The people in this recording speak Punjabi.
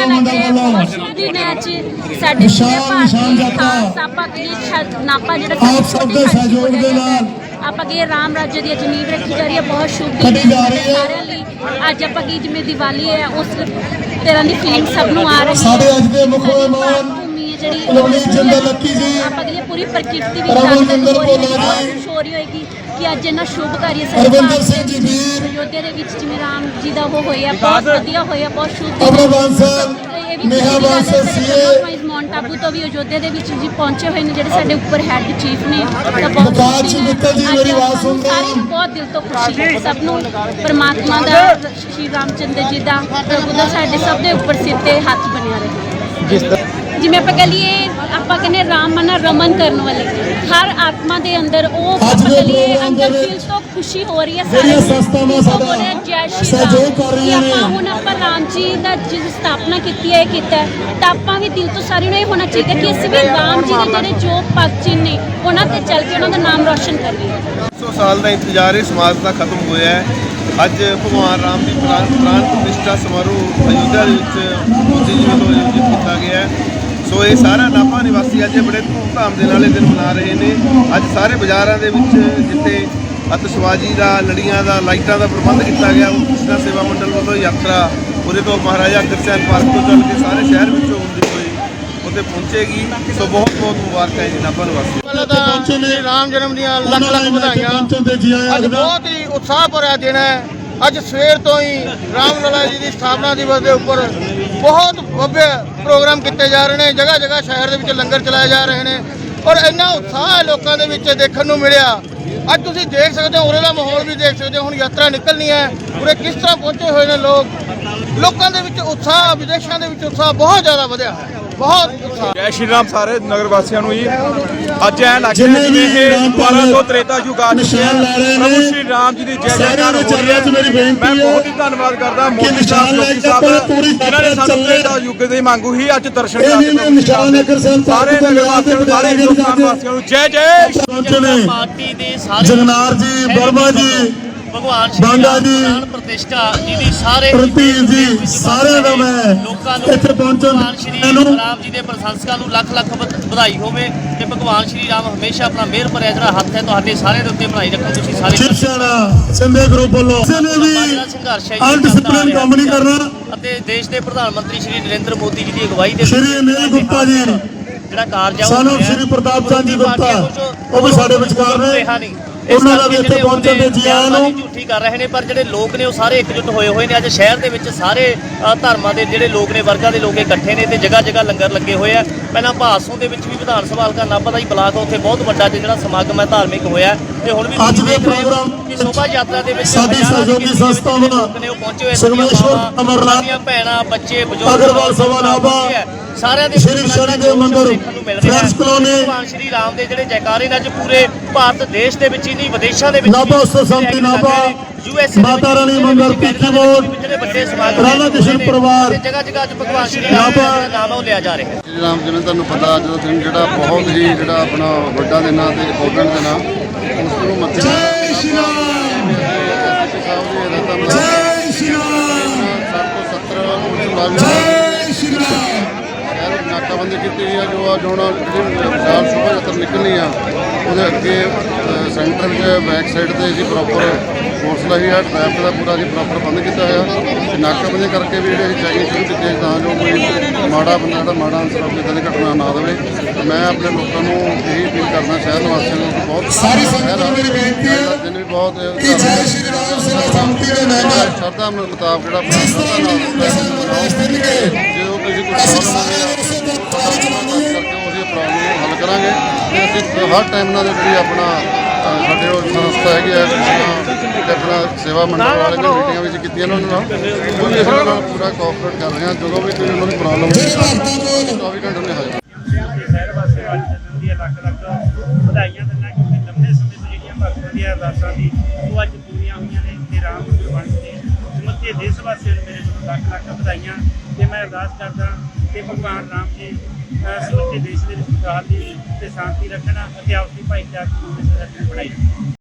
ਲੱਗੇ ਬਹੁਤ ਸ਼ੁਭ ਦਿਨ ਹੈ ਅੱਜ ਸਾਡੇ ਪੂਰੇ ਭਾਰਤ ਖਾਸ ਆਪਾਂ ਕੀ ਨਾਪਾ ਜਿਹੜਾ ਛੋਟੇ ਸਹਿਯੋਗ ਦੇ ਨਾਲ ਆਪਾਂ ਕੀ ਰਾਮ ਰਾਜ ਦੀ ਨੀਂਹ ਰੱਖੀ ਜਾ ਰਹੀ ਹੈ। ਬਹੁਤ ਸ਼ੁਭ ਦਿਨ ਸਾਰਿਆਂ ਲਈ। ਅੱਜ ਆਪਾਂ ਕੀ ਜਿਵੇਂ ਦੀਵਾਲੀ ਹੈ ਉਸ ਤਰ੍ਹਾਂ ਦੀ ਫੀਲਿੰਗ ਸਭ ਨੂੰ ਆ ਰਹੀ ਹੈ। ਸਾਡੇ ਅੱਜ ਦੇ ਮੁੱਖ ਮਹਿਮਾਨ ਜਿਹੜੀ ਜਿੰਦਰ ਲੱਕੀ ਜੀ ਆਪਾਂ ਕੀ ਪੂਰੀ ਪ੍ਰਕਿਰਤੀ ਵਿੱਚ ਹੋ ਰਹੀ ਹੋਏਗੀ ਕਿ ਅੱਜ ਇਹਨਾਂ ਸ਼ੁਭ ਕਾਰਜ ਅਰਵਿੰਦਰ ਸਿੰਘ ਜੀ ਵੀਰ ਅਯੋਧਿਆ ਦੇ ਵਿੱਚ ਜਿਵੇਂ ਰਾਮ ਜੀ ਦਾ ਉਹ ਹੋਇਆ ਬਹੁਤ ਵਧੀਆ ਹੋਇਆ ਬਹੁਤ ਸ਼ੁਭ ਅਮਰ ਬਾਂਸਲ ਨੇਹਾ ਬਾਂਸਲ ਸੀਏ ਮਾਊਂਟ ਆਬੂ ਤੋਂ ਵੀ ਅਯੋਧਿਆ ਦੇ ਵਿੱਚ ਜੀ ਪਹੁੰਚੇ ਹੋਏ ਨੇ ਜਿਹੜੇ ਸਾਡੇ ਉੱਪਰ ਹੈੱਡ ਚੀਫ ਨੇ ਤਾਂ ਬਕਾਲ ਜੀ ਮਿੱਤਲ ਜੀ ਮੇਰੀ ਆਵਾਜ਼ ਸੁਣਦੇ ਸਾਰੇ ਬਹੁਤ ਦਿਲ ਤੋਂ ਖੁਸ਼ੀ ਹੈ ਸਭ ਨੂੰ ਪਰਮਾਤਮਾ ਦਾ ਸ਼੍ਰੀ ਰਾਮਚੰਦਰ ਜੀ ਦਾ ਪ੍ਰਭੂ ਦਾ ਸਾਡੇ ਸਭ ਦੇ ਉੱਪਰ ਸਿਰ ਤੇ ਹੱਥ ਬਣਿਆ ਰਹੇ। ਜਿਵੇਂ ਆਪਾਂ ਕਹ ਲਈਏ ਆਪਾਂ ਕਹਿੰਦੇ ਰਾਮ ਮਨਾ ਰਮਨ ਕਰਨ ਵਾਲੇ ਹਰ ਆਤਮਾ ਦੇ ਅੰਦਰ ਉਹ ਆਪਾਂ ਕਹ ਲਈਏ ਅੰਦਰ ਦਿਲ ਤੋਂ ਖੁਸ਼ੀ ਹੋ ਰਹੀ ਹੈ ਜਿਹੜੀਆਂ ਸੰਸਥਾਵਾਂ ਸਾਡਾ ਸਹਿਯੋਗ ਕਰ ਰਹੀਆਂ ਨੇ। ਹੁਣ ਆਪਾਂ ਰਾਮ ਜੀ ਦਾ ਜਿਸ ਸਥਾਪਨਾ ਕੀਤੀ ਹੈ ਕੀਤਾ ਤਾਂ ਆਪਾਂ ਵੀ ਦਿਲ ਤੋਂ ਸਾਰਿਆਂ ਨੂੰ ਇਹ ਹੋਣਾ ਚਾਹੀਦਾ ਕਿ ਅਸੀਂ ਵੀ ਰਾਮ ਜੀ ਦੇ ਜਿਹੜੇ ਜੋ ਪਦ ਚਿੰਨ੍ਹ ਨੇ ਉਹਨਾਂ ਤੇ ਚੱਲ ਕੇ ਉਹਨਾਂ ਦਾ ਨਾਮ ਰੌਸ਼ਨ ਕਰੀਏ। 100 ਸਾਲ ਦਾ ਇੰਤਜ਼ਾਰ ਇਸ ਸਮਾਜ ਦਾ ਖਤਮ ਹੋਇਆ ਹੈ। ਅੱਜ ਭਗਵਾਨ ਰਾਮ ਦੀ ਪ੍ਰਾਣ ਪ੍ਰਤਿਸ਼ਠਾ ਸਮਾਰੋਹ ਅਯੋਧਿਆ ਦੇ ਵਿੱਚ ਮੋਦੀ ਜੀ ਵੱਲੋਂ ਆਯੋਜਿਤ ਕੀਤਾ ਗਿਆ ਹੈ। ਸੋ ਇਹ ਸਾਰਾ ਨਾਭਾ ਨਿਵਾਸੀ ਅੱਜ ਬੜੇ ਧੂਮਧਾਮ ਦੇ ਨਾਲ ਇਹ ਦਿਨ ਮਨਾ ਰਹੇ ਨੇ। ਅੱਜ ਸਾਰੇ ਬਾਜ਼ਾਰਾਂ ਦੇ ਵਿੱਚ ਜਿੱਥੇ ਅਤਿਸ਼ਬਾਜ਼ੀ ਦਾ ਲੜੀਆਂ ਦਾ ਲਾਈਟਾਂ ਦਾ ਪ੍ਰਬੰਧ ਕੀਤਾ ਗਿਆ ਉਹ ਕ੍ਰਿਸ਼ਨਾ ਸੇਵਾ ਮੰਡਲ ਵੱਲੋਂ ਯਾਤਰਾ ਉਰੇ ਤੋਂ ਮਹਾਰਾਜਾ ਅਗਰਸੈਨ ਪਾਰਕ ਤੋਂ ਚੱਲ ਕੇ ਸਾਰੇ ਸ਼ਹਿਰ ਵਿੱਚੋਂ ਹੁੰਦੀ ਹੋਈ ਉੱਥੇ ਪਹੁੰਚੇਗੀ। ਸੋ ਬਹੁਤ ਬਹੁਤ ਮੁਬਾਰਕਾਂ ਜੀ ਨਾਭਾ ਨਿਵਾਸੀ। ਪਹਿਲਾਂ ਤਾਂ ਸ਼੍ਰੀ ਰਾਮ ਜਨਮ ਦੀਆਂ ਲੱਖ ਲੱਖ ਵਧਾਈਆਂ। ਅੱਜ ਬਹੁਤ ਹੀ ਉਤਸ਼ਾਹ ਭਰਿਆ ਦਿਨ ਹੈ। ਅੱਜ ਸਵੇਰ ਤੋਂ ਹੀ ਰਾਮ ਲਲਾ ਜੀ ਦੀ ਸਥਾਪਨਾ ਦਿਵਸ ਦੇ ਉੱਪਰ ਬਹੁਤ ਭव्य ਪ੍ਰੋਗਰਾਮ ਕੀਤੇ ਜਾ ਰਹੇ ਨੇ। ਜਗ੍ਹਾ ਜਗ੍ਹਾ ਸ਼ਹਿਰ ਦੇ ਵਿੱਚ ਲੰਗਰ ਚਲਾਏ ਜਾ ਰਹੇ ਨੇ ਔਰ ਇੰਨਾ ਉਤਸ਼ਾਹ ਹੈ ਲੋਕਾਂ ਦੇ ਵਿੱਚ ਦੇਖਣ ਨੂੰ ਮਿਲਿਆ। ਅੱਜ ਤੁਸੀਂ ਦੇਖ ਸਕਦੇ ਹੋ ਉਰੇ ਦਾ ਮਾਹੌਲ ਵੀ ਦੇਖ ਸਕਦੇ ਹੋ। ਹੁਣ ਯਾਤਰਾ ਨਿਕਲਣੀ ਹੈ ਉਰੇ ਕਿਸ ਤਰ੍ਹਾਂ ਪਹੁੰਚੇ ਹੋਏ ਨੇ ਲੋਕਾਂ ਦੇ ਵਿੱਚ ਉਤਸ਼ਾਹ ਵਿਦੇਸ਼ਾਂ ਦੇ ਵਿੱਚ ਉਤਸ਼ਾਹ ਬਹੁਤ ਜ਼ਿਆਦਾ ਵਧਿਆ ਹੈ। ਬਹੁਤ ਉਤਸ਼ਾਹ। ਜੈ ਸ਼੍ਰੀ ਰਾਮ ਸਾਰੇ ਨਗਰ ਵਾਸੀਆਂ ਨੂੰ ਜੀ। ਅੱਜ ਐ ਲੱਗ ਰਿਹਾ ਜਿਵੇਂ ਇਹ 1200 ਤ੍ਰੇਤਾ ਯੁੱਗ ਆ ਚੁੱਕਿਆ। ਪ੍ਰਭੂ ਸ਼੍ਰੀ ਰਾਮ ਜੀ ਦੀ ਜੈ ਜੈਕਾਰ ਹੋ ਰਹੀ ਹੈ। ਮੈਂ ਬਹੁਤ ਹੀ ਧੰਨਵਾਦ ਕਰਦਾ ਮੋਦੀ ਸਾਹਿਬ ਜੋਗੀ ਸਾਹਿਬ ਜਿਨ੍ਹਾਂ ਨੇ ਸਾਨੂੰ ਤ੍ਰੇਤਾ ਯੁੱਗ ਦੀ ਮੰਗੂ ਹੀ ਅੱਜ ਦਰਸ਼ਨ ਕਰਾ ਸਾਰੇ ਨਗਰ ਵਾਸੀਆਂ ਨੂੰ ਸਾਰੇ ਹਿੰਦੁਸਤਾਨ ਵਾਸੀਆਂ ਨੂੰ ਜੈ ਜੈ ਪਾਰਟੀ ਦੇ ਸਾਰੇ ਜਗਨਾਰ ਜੀ ਵਰਮਾ ਜੀ ਭਗਵਾਨ ਬਾਂਗਾ ਜੀ ਪ੍ਰਾਣ ਪ੍ਰਤਿਸ਼ਠਾ ਜੀ ਦੀ ਸਾਰੇ ਪ੍ਰਤੀਕ ਜੀ ਸਾਰਿਆਂ ਦਾ ਮੈਂ ਲੋਕਾਂ ਨੂੰ ਇੱਥੇ ਪਹੁੰਚਣ ਭਗਵਾਨ ਸ਼੍ਰੀ ਰਾਮ ਜੀ ਦੇ ਪ੍ਰਸ਼ੰਸਕਾਂ ਨੂੰ ਲੱਖ ਲੱਖ ਵਧਾਈ ਹੋਵੇ ਤੇ ਭਗਵਾਨ ਸ਼੍ਰੀ ਰਾਮ ਹਮੇਸ਼ਾ ਆਪਣਾ ਮਿਹਰ ਭਰਿਆ ਜਿਹੜਾ ਹੱਥ ਹੈ ਤੁਹਾਡੇ ਸਾਰਿਆਂ ਦੇ ਉੱਤੇ ਬਣਾਈ ਰੱਖੋ। ਤੁਸੀਂ ਸਾਰੇ ਸ਼ਿਵ ਸੈਨਾ ਸਿੰਧੇ ਗਰੁੱਪ ਵੱਲੋਂ ਕਿਸੇ ਨੇ ਵੀ ਸੰਘਰਸ਼ ਹੈ ਅਨਡਿਸਪਲਿਨ ਕੰਮ ਨਹੀਂ ਕਰਨਾ। ਅਤੇ ਦੇਸ਼ ਦੇ ਪ੍ਰਧਾਨ ਮੰਤਰੀ ਸ਼੍ਰੀ ਨਰਿੰਦਰ ਮੋਦੀ ਜੀ ਦੀ ਅਗਵਾਈ ਦੇ ਸ਼੍ਰੀ ਅਨਿਲ ਗੁਪਤਾ ਜੀ ਜਿਹੜਾ ਕਾਰਜ ਹੈ ਸਾਨੂੰ ਸ਼੍ਰੀ ਪ੍ਰਤਾਪ ਚੰਦ ਜੀ ਗੁਪਤਾ ਉਹ ਵੀ ਸਾਡੇ ਵਿਚਕਾਰ ਨੇ। ਉਹਨਾਂ ਦਾ ਵੀ ਇੱਥੇ ਪਹੁੰਚਣ ਦੇ ਜੀ ਆਇਆਂ ਨੂੰ ਝੂਠੀ ਕਰ ਰਹੇ ਨੇ ਪਰ ਜਿਹੜੇ ਲੋਕ ਨੇ ਉਹ ਸਾਰੇ ਇਕਜੁੱਟ ਹੋਏ ਹੋਏ ਨੇ। ਅੱਜ ਸ਼ਹਿਰ ਦੇ ਵਿੱਚ ਸਾਰੇ ਧਰਮਾਂ ਦੇ ਜਿਹੜੇ ਲੋਕ ਨੇ ਵਰਗਾਂ ਦੇ ਲੋਕ ਇਕੱਠੇ ਨੇ ਤੇ ਜਗ੍ਹਾ ਜਗ੍ਹਾ ਲੰਗਰ ਲੱਗੇ ਹੋਏ ਆ। ਪਹਿਲਾਂ ਭਾਸੋਂ ਦੇ ਵਿੱਚ ਵੀ ਵਿਧਾਨ ਸਭਾ ਹਲਕਾ ਨਾਭਾ ਦਾ ਹੀ ਬਲਾਕ ਉੱਥੇ ਬਹੁਤ ਵੱਡਾ ਜਿਹੜਾ ਸਮਾਗਮ ਹੈ ਧਾਰਮਿਕ ਹੋਇਆ ਤੇ ਹੁਣ ਵੀ ਅੱਜ ਦੇ ਪ੍ਰੋਗਰਾਮ ਕਿ ਸ਼ੋਭਾ ਯਾਤਰਾ ਦੇ ਵਿੱਚ ਸਾਡੀ ਸਹਿਯੋਗੀ ਸੰਸਥਾਵਾਂ ਲੋਕ ਨੇ ਉਹ ਪਹੁੰਚੇ ਹੋਏ ਸਰਵੇਸ਼ਵਰ ਅਮਰਨਾਥ ਭੈਣਾਂ ਬੱਚੇ ਬਜ਼ੁਰਗ ਅਗਰਵਾਲ ਸਭਾ ਨਾਭਾ ਸਾਰਿਆਂ ਦੇ ਸ਼੍ਰੀ ਸ਼ਨੀ ਦੇ ਮੰਦਿਰ ਫਰੈਂਡਸ ਕਲੋਨੀ ਭਗਵਾਨ ਸ਼੍ਰੀ ਰਾਮ ਦੇ ਜਿਹੜੇ ਜੈਕਾਰੇ ਨੇ ਅੱਜ ਪੂਰੇ ਭਾਰਤ ਦੇਸ਼ ਦੇ ਵਿੱਚ ਹੀ ਨਹੀਂ ਵਿਦੇਸ਼ਾਂ ਦੇ ਵਿੱਚ ਨਾਭਾ ਉਤਸਵ ਸਮਿਤੀ ਨਾਭਾ ਮਾਤਾ ਰਾਣੀ ਮੰਦਿਰ ਪੀਠੀ ਮੋੜ ਜਿਹੜੇ ਵੱਡੇ ਸਮਾਗਮ ਰਾਧਾ ਕ੍ਰਿਸ਼ਨ ਪਰਿਵਾਰ ਜਗ੍ਹਾ ਜਗ੍ਹਾ ਅੱਜ ਭਗਵਾਨ ਸ਼੍ਰੀ ਰਾਮ ਦਾ ਨਾਮ ਉਹ ਲਿਆ ਜਾ ਰਿਹਾ। ਸ਼੍ਰੀ ਰਾਮ ਜਿਵੇਂ ਤੁਹਾਨੂੰ ਪਤਾ ਅੱਜ ਦਾ ਦਿਨ ਜਿਹੜਾ ਬਹੁਤ ਹੀ ਜਿਹੜਾ ਆਪਣਾ ਵੱਡਾ ਦਿਨ ਆ ਤੇ ਇੰਪੋਰਟੈਂਟ ਦਿਨ ਆ ਉਸ ਨੂੰ ਮੱਥੇ ਜੈ ਸ਼੍ਰੀ ਰਾਮ ਜੈ ਸ਼੍ਰੀ ਰਾਮ 770 ਜੈ ਸ਼੍ਰੀ ਰਾਮ ਨਾਕਾਬੰਦੀ ਕੀਤੀ ਗਈ ਆ ਜੋ ਹੁਣ ਜਿਹੜੀ ਸ਼ੋਭਾ ਯਾਤਰਾ ਨਿਕਲਣੀ ਆ ਉਹਦੇ ਅੱਗੇ ਸੈਂਟਰ ਵਿੱਚ ਬੈਕ ਸਾਈਡ ਤੇ ਅਸੀਂ ਪ੍ਰੋਪਰ ਫੋਰਸ ਲਾਈ ਆ। ਟ੍ਰੈਫਿਕ ਦਾ ਪੂਰਾ ਅਸੀਂ ਪ੍ਰੋਪਰ ਬੰਦ ਕੀਤਾ ਹੋਇਆ ਤੇ ਨਾਕਾਬੰਦੀ ਕਰਕੇ ਵੀ ਜਿਹੜੇ ਚੈਕਿੰਗ ਸ਼ੁਰੂ ਕੀਤੀ ਤਾਂ ਜੋ ਕੋਈ ਮਾੜਾ ਬੰਦਾ ਜਿਹੜਾ ਮਾੜਾ ਅਨਸਰ ਆਪਣੀ ਇੱਦਾਂ ਦੀ ਘਟਨਾ ਨਾ ਦੇਵੇ। ਮੈਂ ਆਪਣੇ ਲੋਕਾਂ ਨੂੰ ਇਹੀ ਅਪੀਲ ਕਰਦਾ ਸ਼ਹਿਰ ਨਿਵਾਸੀਆਂ ਨੂੰ ਬਹੁਤ ਸਾਰੀ ਸੰਗਤ ਨੂੰ ਮੇਰੀ ਬੇਨਤੀ ਹੈ ਦਿਨ ਵੀ ਬਹੁਤ ਕਿ ਜੈ ਸ਼੍ਰੀ ਰਾਮ ਸੇਵਾ ਸੰਮਤੀ ਦੇ ਮੈਂਬਰ ਸ਼ਰਧਾ ਮੁਤਾਬਕ ਜਿਹੜਾ ਆਪਣਾ ਜਿਸ ਤਰ੍ਹਾਂ ਸ਼ਰਧਾ ਵੀ ਪੈਸੇ ਨਿਕਾਸ ਦੇਣਗੇ ਜੇ ਉਹ ਕਿਸੇ ਕੋਈ ਅਸੀਂ ਪ੍ਰੋਬਲਮ ਸਾਰੇ ਹੈ ਉਸੇ ਦੇ ਪਾਸ ਚਲਾਵਾਂਗੇ। ਕਰਕੇ ਉਹਦੀ ਪ੍ਰੋਬਲਮ ਨੂੰ ਹੱਲ ਕਰਾਂਗੇ ਤੇ ਅਸੀਂ ਹਰ ਟਾਈਮ ਨਾਲ ਜਿਹੜੀ ਆਪਣਾ ਸਾਡੇ ਉਹ ਸੰਸਥਾ ਹੈਗੀ ਆ ਤੇ ਆਪਣਾ ਸੇਵਾ ਮੰਡਲ ਵਾਲੇ ਨੇ ਮੀਟਿੰਗਾਂ ਵਿੱਚ ਕੀਤੀਆਂ ਨੇ ਉਹਨਾਂ ਨਾਲ ਉਹ ਵੀ ਅਸੀਂ ਉਹਨਾਂ ਨਾਲ ਪੂਰਾ ਕੋਆਪਰੇਟ ਕਰ ਰਹੇ ਹਾਂ। ਜਦੋਂ ਵੀ ਕੋਈ ਉਹਨਾਂ ਨੂੰ ਪ੍ਰੋਬਲਮ ਹੁੰਦੀ ਹੈ 24 ਘੰਟੇ ਨੇ ਹਾਜ਼ਰ। ਸ਼ਹਿਰ ਵਾਸਤੇ ਅੱਜ ਜਨਮ ਦੀਆਂ ਲੱਖ ਲੱਖ ਵਧਾਈਆਂ ਦਿੰਦਾ ਕਿਉਂਕਿ ਲੰਬੇ ਸਮੇਂ ਤੋਂ ਜਿਹੜੀਆਂ ਭਗਤਾਂ ਦੀਆਂ ਅਰਦਾਸਾਂ ਸੀ ਉਹ ਅੱਜ ਪੂਰੀਆਂ ਹੋਈਆਂ ਨੇ ਤੇ ਰਾਮ ਗੁਰਬਾਣੀ ਦੇ ਸਮੁੱਚੇ ਦੇਸ਼ ਵਾਸੀਆਂ ਨੂੰ ਮੇਰੇ ਵੱਲੋਂ ਲੱਖ ਲੱਖ ਵਧਾਈਆਂ ਤੇ ਮੈਂ ਅਰਦਾਸ ਕਰਦਾ ਕਿ ਭਗਵਾਨ ਰਾਮ ਜੀ ਸਮੁੱਚੇ ਦੇਸ਼ ਦੇ ਵਿੱਚ ਖੁਸ਼ਹਾਲੀ ਤੇ ਸ਼ਾਂਤੀ ਰੱਖਣਾ ਅਤੇ ਆਪਸੀ ਭਾਈਚਾਰਕ ਨੂੰ ਬਣਾਈ ਰੱਖਣਾ।